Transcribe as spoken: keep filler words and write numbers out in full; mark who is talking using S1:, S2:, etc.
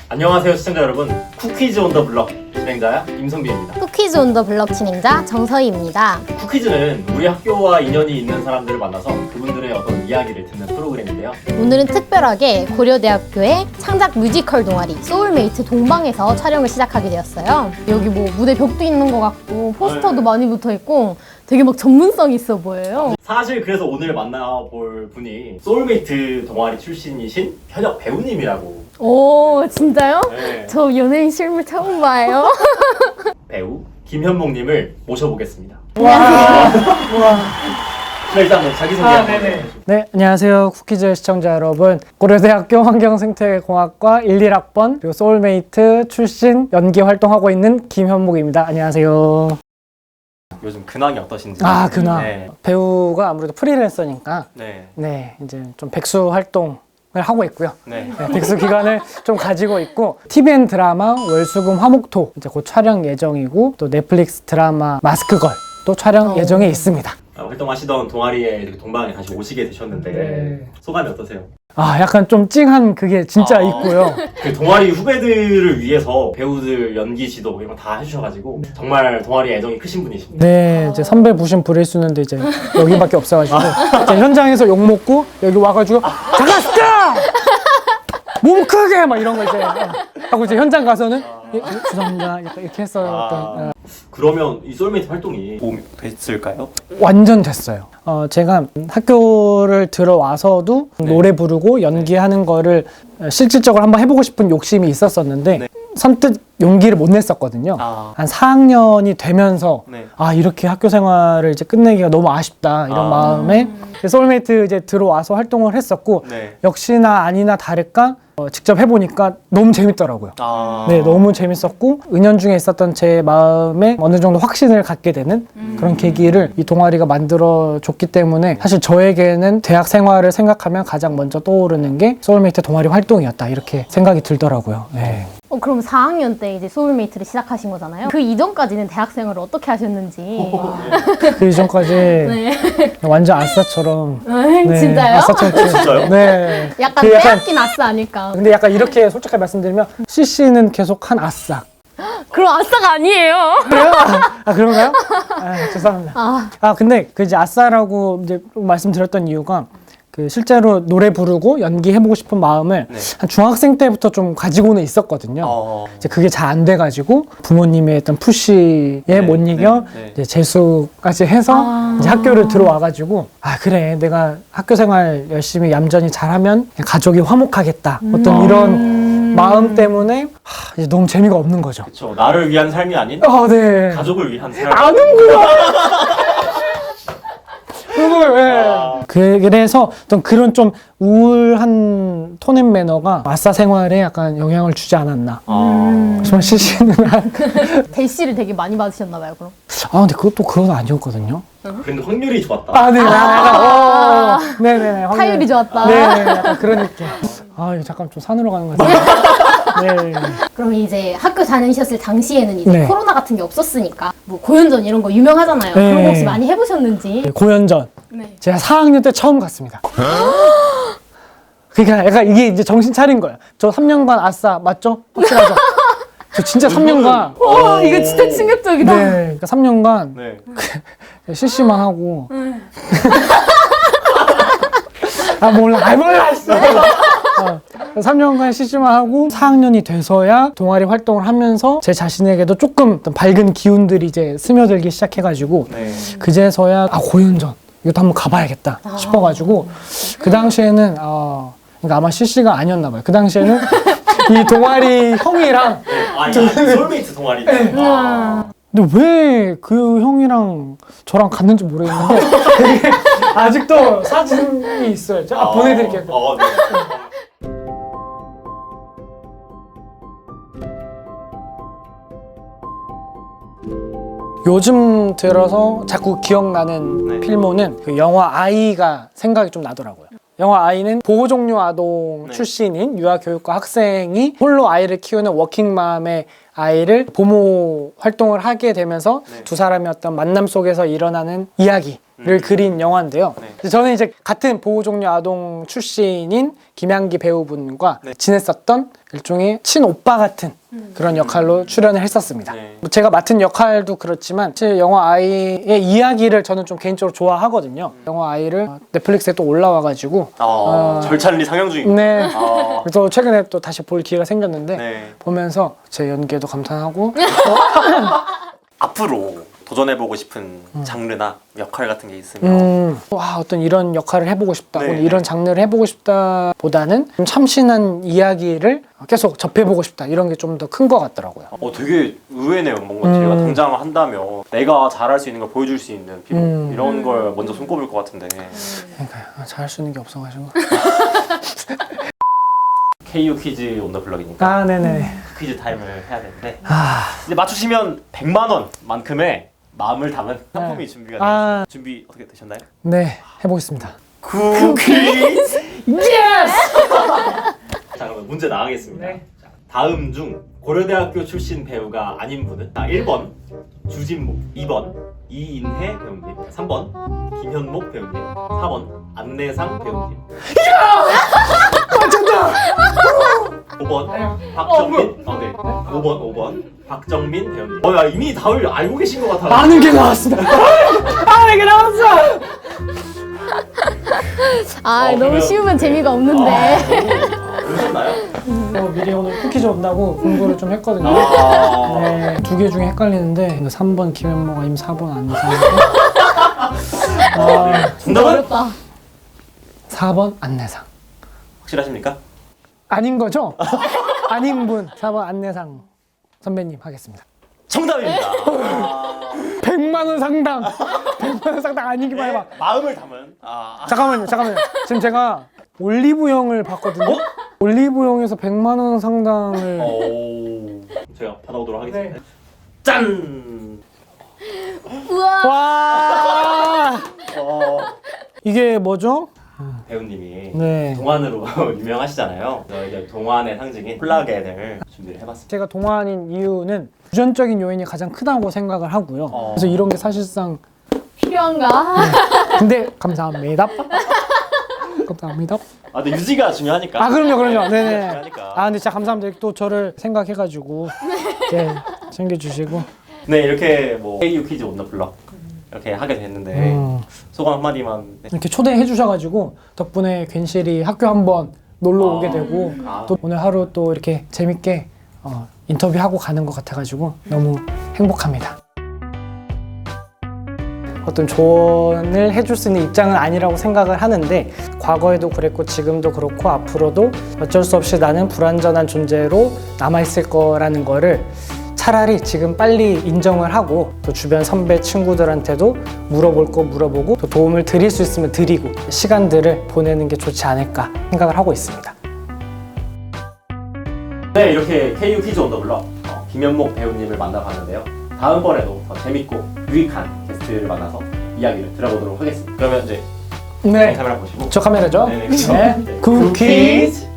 S1: 안녕하세요 시청자 여러분, 쿠키즈 온 더 블럭 진행자야 임성빈입니다.
S2: 쿠키즈 온 더 블럭 진행자 정서희입니다.
S1: 쿠키즈는 우리 학교와 인연이 있는 사람들을 만나서 그분들의 어떤 이야기를 듣는 프로그램인데요.
S2: 오늘은 특별하게 고려대학교의 창작 뮤지컬 동아리 소울메이트 동방에서 촬영을 시작하게 되었어요. 여기 뭐 무대 벽도 있는 것 같고 포스터도
S1: 네.
S2: 많이 붙어 있고 되게 막 전문성 있어 보여요.
S1: 사실 그래서 오늘 만나볼 분이 소울메이트 동아리 출신이신 현역 배우님이라고.
S2: 오 진짜요?
S1: 네.
S2: 저 연예인 실물 처음 봐요.
S1: 배우 김현목님을 모셔보겠습니다.
S3: 와. 와.
S1: 네, 일단 뭐 자기소개
S3: 아,
S1: 한번
S3: 네네.
S1: 해주시죠.
S3: 네, 안녕하세요. 쿠키즈 시청자 여러분. 고려대학교 환경생태공학과 일, 일 학번 그리고 소울메이트 출신 연기 활동하고 있는 김현목입니다. 안녕하세요.
S1: 요즘 근황이 어떠신지.
S3: 아, 그나
S1: 네.
S3: 배우가 아무래도 프리랜서니까
S1: 네.
S3: 네, 이제 좀 백수 활동을 하고 있고요.
S1: 네.
S3: 네, 백수 기간을 좀 가지고 있고 티비엔 드라마 월수금 화목토 이제 곧 촬영 예정이고 또 넷플릭스 드라마 마스크걸 또 촬영
S2: 어.
S3: 예정에 있습니다.
S1: 아, 활동하시던 동아리에 이렇게 동방에 다시 오시게 되셨는데
S3: 네.
S1: 소감이 어떠세요?
S3: 아, 약간 좀 찡한 그게 진짜
S1: 아.
S3: 있고요.
S1: 그 동아리 후배들을 위해서 배우들 연기 지도 이런 거 다 해주셔가지고 정말 동아리에 애정이 크신 분이십니다.
S3: 네, 이제 선배 부심 부릴 수 있는데 이제 여기밖에 없어가지고 이제 현장에서 욕 먹고 여기 와가지고 잠깐 스탑! 몸 크게 막 이런 거 이제 하고 이제 현장 가서는 예, 예, 죄송합니다 약간 이렇게 했어요.
S1: 아, 그러면 이 소울메이트 활동이 도움이 됐을까요?
S3: 완전 됐어요. 어, 제가 학교를 들어와서도
S1: 네.
S3: 노래 부르고 연기하는 거를 실질적으로 한번 해보고 싶은 욕심이 있었었는데
S1: 네.
S3: 선뜻 용기를 못 냈었거든요.
S1: 아.
S3: 한 사 학년이 되면서
S1: 네.
S3: 아 이렇게 학교 생활을 이제 끝내기가 너무 아쉽다 이런
S1: 아.
S3: 마음에 소울메이트 이제 들어와서 활동을 했었고
S1: 네.
S3: 역시나 아니나 다를까 어, 직접 해보니까 너무 재밌더라고요.
S1: 아.
S3: 네, 너무 재밌었고 은연중에 있었던 제 마음에 어느 정도 확신을 갖게 되는 그런 계기를 이 동아리가 만들어줬기 때문에 사실 저에게는 대학 생활을 생각하면 가장 먼저 떠오르는 게 소울메이트 동아리 활동이었다 이렇게 생각이 들더라고요. 네.
S2: 어, 그럼 사 학년 때 이제 소울메이트를 시작하신 거잖아요. 그 이전까지는 대학 생활을 어떻게 하셨는지.
S3: 그 이전까지
S2: 네.
S3: 완전 아싸처럼 네,
S2: 진짜요?
S3: 아싸처럼
S1: 진짜요?
S3: 네.
S2: 약간
S3: 그
S2: 빼앗긴 아싸 아닐까.
S3: 근데 약간 이렇게 솔직하게 말씀드리면 씨씨는 계속 한 아싸.
S2: 그럼 아싸가 아니에요.
S3: 그래요? 아 그런가요? 아, 죄송합니다.
S2: 아,
S3: 아 근데 그 이제 아싸라고 이제 말씀드렸던 이유가 그 실제로 노래 부르고 연기해보고 싶은 마음을
S1: 네.
S3: 한 중학생 때부터 좀 가지고는 있었거든요.
S1: 어.
S3: 이제 그게 잘 안 돼가지고 부모님의 어떤 푸시에
S1: 네,
S3: 못 이겨
S1: 네, 네.
S3: 이제 재수까지 해서
S2: 아.
S3: 이제 학교를 들어와가지고 아 그래 내가 학교 생활 열심히 얌전히 잘하면 가족이 화목하겠다 어떤 이런 마음 때문에 하, 이제 너무 재미가 없는 거죠.
S1: 그렇죠. 나를 위한 삶이 아닌
S3: 아 네.
S1: 가족을 위한 삶.
S3: 아는구나. 그걸 왜?
S1: 아.
S3: 그래서 어떤 그런 좀 우울한 톤앤 매너가 아싸 생활에 약간 영향을 주지 않았나.
S1: 아.
S3: 정말 시시는 한.
S2: 대시를 되게 많이 받으셨나 봐요, 그럼.
S3: 아 근데 그것도 그건 아니었거든요.
S1: 그런데 확률이 좋았다.
S3: 아 네. 아, 어, 네네. 확률.
S2: 타율이 좋았다.
S3: 네, 약간 그런 느낌. 아 이거 잠깐 좀 산으로 가는 것 같아요. 네.
S2: 그럼 이제 학교 다니셨을 당시에는 이제
S3: 네.
S2: 코로나 같은 게 없었으니까 뭐 고연전 이런 거 유명하잖아요.
S3: 네.
S2: 그런 거 혹시 많이 해보셨는지.
S3: 고연전.
S2: 네.
S3: 제가 사 학년 때 처음 갔습니다. 그러니까 약간 이게 이제 정신 차린 거예요. 저 삼 년간 아싸 맞죠? 확실하죠? 저 진짜 삼 년간
S2: 와, 이거 진짜 충격적이다.
S3: 네, 그러니까 삼 년간
S1: 네.
S3: 실시만 하고 아 몰라, 아 몰라 씨. 어, 삼 년간 실시만 하고 사 학년이 돼서야 동아리 활동을 하면서 제 자신에게도 조금 어떤 밝은 기운들이 이제 스며들기 시작해가지고
S1: 네.
S3: 그제서야 아 고연전 이것도 한번 가봐야겠다 싶어가지고 그 당시에는 어, 그러니까 아마 실시가 아니었나 봐요. 그 당시에는 이 동아리 형이랑
S1: 아, 이게 소울메이트 동아리. 아.
S3: 근데 왜 그 형이랑 저랑 갔는지 모르겠는데 되게 아직도 사진이 있어요. 제가 보내드릴게요.
S1: 어, 네.
S3: 요즘 들어서 자꾸 기억나는
S1: 네.
S3: 필모는 그 영화 아이가 생각이 좀 나더라고요. 영화 아이는 보호종료 아동
S1: 네.
S3: 출신인 유아교육과 학생이 홀로 아이를 키우는 워킹맘의 아이를 보모 활동을 하게 되면서
S1: 네.
S3: 두 사람의 어떤 만남 속에서 일어나는 이야기. 를 그린 영화인데요.
S1: 네.
S3: 저는 이제 같은 보호종료 아동 출신인 김양기 배우분과
S1: 네.
S3: 지냈었던 일종의 친오빠 같은 그런 역할로 출연을 했었습니다.
S1: 네.
S3: 뭐 제가 맡은 역할도 그렇지만 사실 영화 아이의 이야기를 저는 좀 개인적으로 좋아하거든요. 영화 아이를 넷플릭스에 또 올라와가지고
S1: 어,
S3: 어,
S1: 절찬리 상영 중이고.
S3: 네.
S1: 어,
S3: 그래서 최근에 또 다시 볼 기회가 생겼는데
S1: 네.
S3: 보면서 제 연기에도 감탄하고
S1: 앞으로 도전해보고 싶은 장르나 역할 같은 게 있으면
S3: 음, 와 어떤 이런 역할을 해보고 싶다
S1: 네.
S3: 혹은 이런 장르를 해보고 싶다 보다는 좀 참신한 이야기를 계속 접해보고 싶다 이런 게 좀 더 큰 것 같더라고요.
S1: 어, 되게 의외네요. 뭔가
S3: 음.
S1: 제가 당장 한다면 내가 잘할 수 있는 걸 보여줄 수 있는 비록
S3: 음.
S1: 이런 걸 먼저 손꼽을 것 같은데
S3: 그러니까 잘할 수 있는 게 없어가지고.
S1: 케이유 퀴즈 온 더 블럭이니까
S3: 아 네네.
S1: 퀴즈 타임을 해야 되는데
S3: 아,
S1: 이제 맞추시면 백만 원만큼의 마음을 담은 상품이 준비가 되어
S3: 아.
S1: 있습니다. 준비 어떻게 되셨나요?
S3: 네 해보겠습니다.
S1: 쿠키즈!
S3: 예스!
S1: 자 그러면 문제 나가겠습니다.
S3: 네.
S1: 자, 다음 중 고려대학교 출신 배우가 아닌 분은 자, 일 번 주진모, 이 번 이인혜 배우님, 삼 번 김현목 배우님, 사 번 안내상 배우님.
S3: 맞췄다.
S1: 오 번 박정민. 어, 네. 오 번 오 번 박정민 배우님. 어, 야 이미 답을 알고 계신 것 같아요.
S3: 아는 게 나왔습니다. 아는 게 나왔어.
S2: 아
S1: 어,
S2: 너무
S1: 그러면-
S2: 쉬우면
S1: 네.
S2: 재미가 없는데.
S1: 아, 그러셨나요?
S3: 어, 미리 오늘 쿠키즈 온다고 공부를 좀 했거든요.
S1: 아,
S3: 네, 두 개 중에 헷갈리는데 삼 번 김현목 아니면 사 번 안내상. 아,
S1: 정답은
S2: 어렵다.
S3: 사 번 안내상.
S1: 확실하십니까?
S3: 아닌 거죠? 아닌 분 사 번 안내상 선배님 하겠습니다.
S1: 정답입니다. 아,
S3: 백만 원 상당. 백만 원 상당 아니기만 해봐.
S1: 네, 마음을 담은. 아,
S3: 잠깐만요, 잠깐만요. 지금 제가 올리브영을 봤거든요. 올리브영에서 백만 원 상당을.
S1: 오, 제가 받아오도록 하겠습니다.
S3: 네.
S1: 짠.
S2: 우와.
S3: 와!
S1: 어,
S3: 이게 뭐죠?
S1: 배우님이
S3: 네.
S1: 동안으로 유명하시잖아요. 그래서 이제 동안의 상징인 플라겐을 준비를 해봤습니다.
S3: 제가 동안인 이유는 유전적인 요인이 가장 크다고 생각을 하고요.
S1: 어.
S3: 그래서 이런 게 사실상
S2: 필요한가?
S3: 근데 감사합니다. 감사합니다.
S1: 아, 근데 유지가 중요하니까.
S3: 아 그럼요, 그럼요.
S1: 네,
S3: 네네.
S1: 중요하니까.
S3: 아 근데 진짜 감사합니다. 또 저를 생각해가지고 네, 챙겨주시고.
S1: 네, 이렇게 뭐 케이유 퀴즈 온 더 블럭 이렇게 하게 됐는데
S3: 음,
S1: 소감 한마디만. 네.
S3: 이렇게 초대해 주셔가지고 덕분에 괜시리 학교 한번 놀러 오게
S1: 아.
S3: 되고
S1: 아.
S3: 또 오늘 하루 또 이렇게 재밌게 어, 인터뷰하고 가는 것 같아가지고 너무 행복합니다. 어떤 조언을 해줄 수 있는 입장은 아니라고 생각을 하는데 과거에도 그랬고 지금도 그렇고 앞으로도 어쩔 수 없이 나는 불완전한 존재로 남아있을 거라는 거를 차라리 지금 빨리 인정을 하고 또 주변 선배 친구들한테도 물어볼 거 물어보고 또 도움을 드릴 수 있으면 드리고 시간들을 보내는 게 좋지 않을까 생각을 하고 있습니다.
S1: 네, 이렇게 케이유 퀴즈 온 더 블럭 어, 김현목 배우님을 만나봤는데요. 다음번에도 더 재밌고 유익한 게스트를 만나서 이야기를 들어보도록 하겠습니다. 그러면 이제
S3: 네,
S1: 카메라 보시고
S3: 저 카메라죠?
S1: 네, 네, 그렇죠.
S3: 네.
S1: 네.
S3: 쿠키즈.